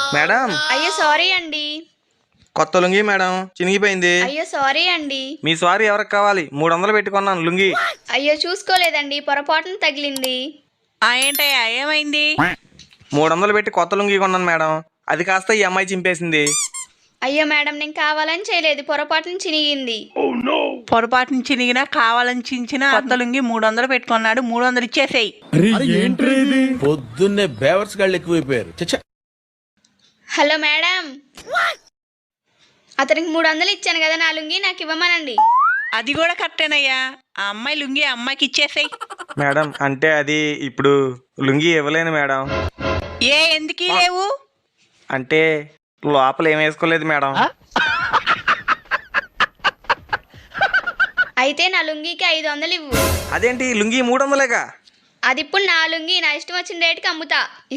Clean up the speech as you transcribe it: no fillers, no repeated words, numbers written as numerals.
Madam అయ్యో sorry అండి. కొత్త లుంగీ మేడం, చినిగిపోయింది. అయ్యో సారీ అండి. మీ సారీ ఎవరికి కావాలి? 300 పెట్టుకున్నాను లుంగీ. అయ్యో చూసుకోలేదండి, పొరపాటున తగిలింది. ఏంటయ్యా ఏమైంది? 300 పెట్టి కొత్త లుంగీ కొన్నాను మేడం, అది కాస్త ఈ అమ్మాయి చింపేసింది. అయ్యో మేడం, నేను కావాలని చేయలేదు, పొరపాటున చినిగింది. పొరపాటున చినిగినా కావాలని చించిన కొత్త లుంగి 300 పెట్టుకున్నాడు. 300 ఇచ్చేసేయి. పొద్దున్నే బేవర్స్ గాళ్ళు ఎక్కువైపోయారు. హలో మేడం, అతనికి 300 ఇచ్చాను కదా, నా లుంగి నాకు ఇవ్వమనండి. అది కూడా కరెక్టేనయ్యా. ఆ అమ్మాయి లుంగి ఆ అమ్మాయికి ఇచ్చేసేయి. మేడం అంటే అది ఇప్పుడు లుంగీ ఇవ్వలేను మేడం. ఎందుకు లేవు? అంటే లోపల ఏం వేసుకోలేదు మేడం. అయితే నా లుంగికి 500 ఇవ్వు. అదేంటి లుంగీ 300లేగా? అది ఇప్పుడు నా లుంగి, నా ఇష్టం వచ్చిన రేటుకి అమ్ముతా.